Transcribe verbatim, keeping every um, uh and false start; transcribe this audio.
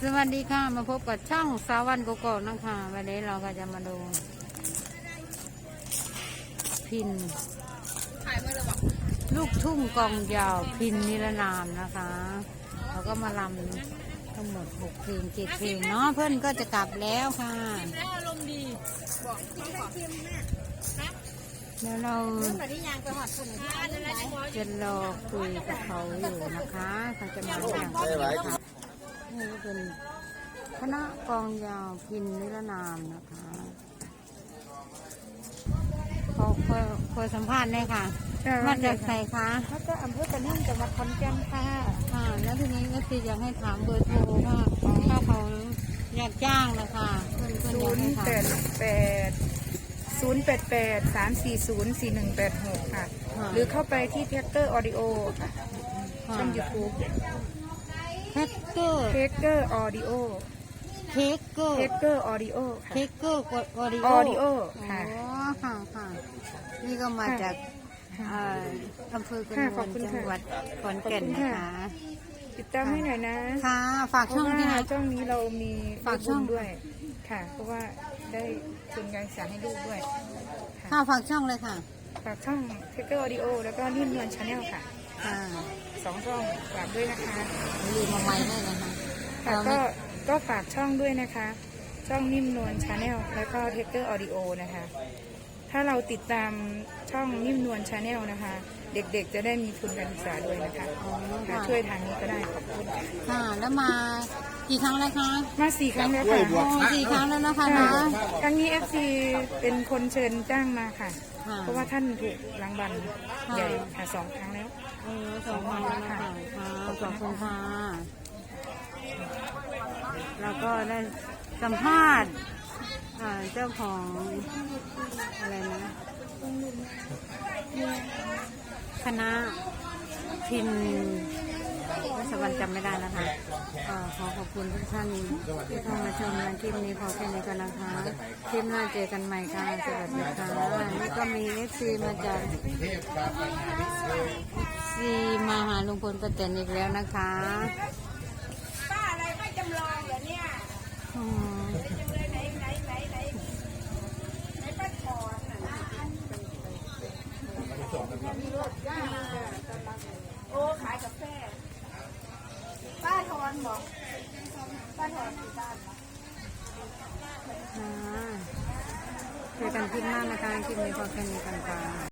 สวัสดีค่ะมาพบกับช่องสาวันโกโก้นะคะวันนี้เราก็จะมาดูพินลูกทุ่งกองยาวพินนิรนามนะคะเราก็มาลำทั้งหมดหกเพลงเจ็ดเพลงเนาะเพื่อนก็จะกลับแล้วค่ะอารมณ์ดีบอกเดี๋ยวเราจะรอคุยกับเขาอยู่นะคะเขาจะมาอย่างไรค่ะนี่เป็นคณะกองยาวพินนิรนามนะคะขอขอขอสัมภาษณ์ได้ค่ะมาจากไหนคะมาจากอำเภอตะนิ่งจังหวัดขอนแก่นค่ะค่ะแล้วทีนี้ก็คืออยากให้ถามเบอร์โทรว่าถ้าเขาอยากจ้างนะคะศูนย์แปดแปดศูนย์แปดแปดสามสี่ศูนย์สี่หนึ่งแปดหกค่ะหรือเข้าไปที่แท็กเกอร์ออดิโอค่ะช่องยูทูบแท็กเกอร์แท็กเกอร์ออดิโอเทคเกอร์เทคเกอร์ออดิโอเทคเกอร์ออดิโอออดิโอค่ะค่ะค่ะนี่ก็มาจากอำเภอกระนวนจังหวัดขอนแก่นนะคะติดตามให้หน่อยนะค่ะฝากช่องที่ไหนช่องนี้เรามีฝากช่องด้วยค่ะเพราะว่าได้ทุนการศึกษาให้ลูกด้วยค่ะฝากช่องเลยค่ะฝากช่องเทคเกอร์ออดิโอแล้วก็นิ่มนวลชาแนลค่ะค่ะสองช่องฝากด้วยนะคะลืมมาไม่ได้นะคะก็ก็ฝากช่องด้วยนะคะช่องนิ่มนวลชาแนลแล้วก็เทคเกอร์ออดิโอนะคะถ้าเราติดตามช่องนิ่มนวลชาแนลนะคะเด็กๆจะได้มีทุนการศึกษาด้วยนะคะช่วยทางนี้ก็ได้ขอบคุณค่ะแล้วมากี่ครั้งแล้วคะมาสี่ครั้งแล้วค่ะสี่ครั้งแล้วนะคะนะครั้งนี้เอฟซีเป็นคนเชิญจ้างมาค่ะเพราะว่าท่านถูกรางวัลใหญ่ค่ะสองครั้งแล้วเออสองครั้งแล้วค่ะขอบคุณค่ะแล้วก็ได้สัมภาษณ์เจ้าของอะไรนะคณะพินรัศวรรษจำไม่ได้นะคะก็ขอขอบคุณทุกท่านที่เข้ามาชมในคลิปนี้พอแค่นี้ก็นะคะคลิปหน้าเจอกันใหม่ค่ะสวัสดีค่ะนี่ก็มีเอฟซีมาจากซีมาหาลุงพลป้าแตนอีกแล้วนะคะป้าอะไรไม่จำลองเหรอเนี่ยโอ้ขายกาแฟป้าทอนบอกป้าทอนที่บ้านเจอกันคลิปหน้านะคะคลิปนี้พอแค่นี้กันค่ะ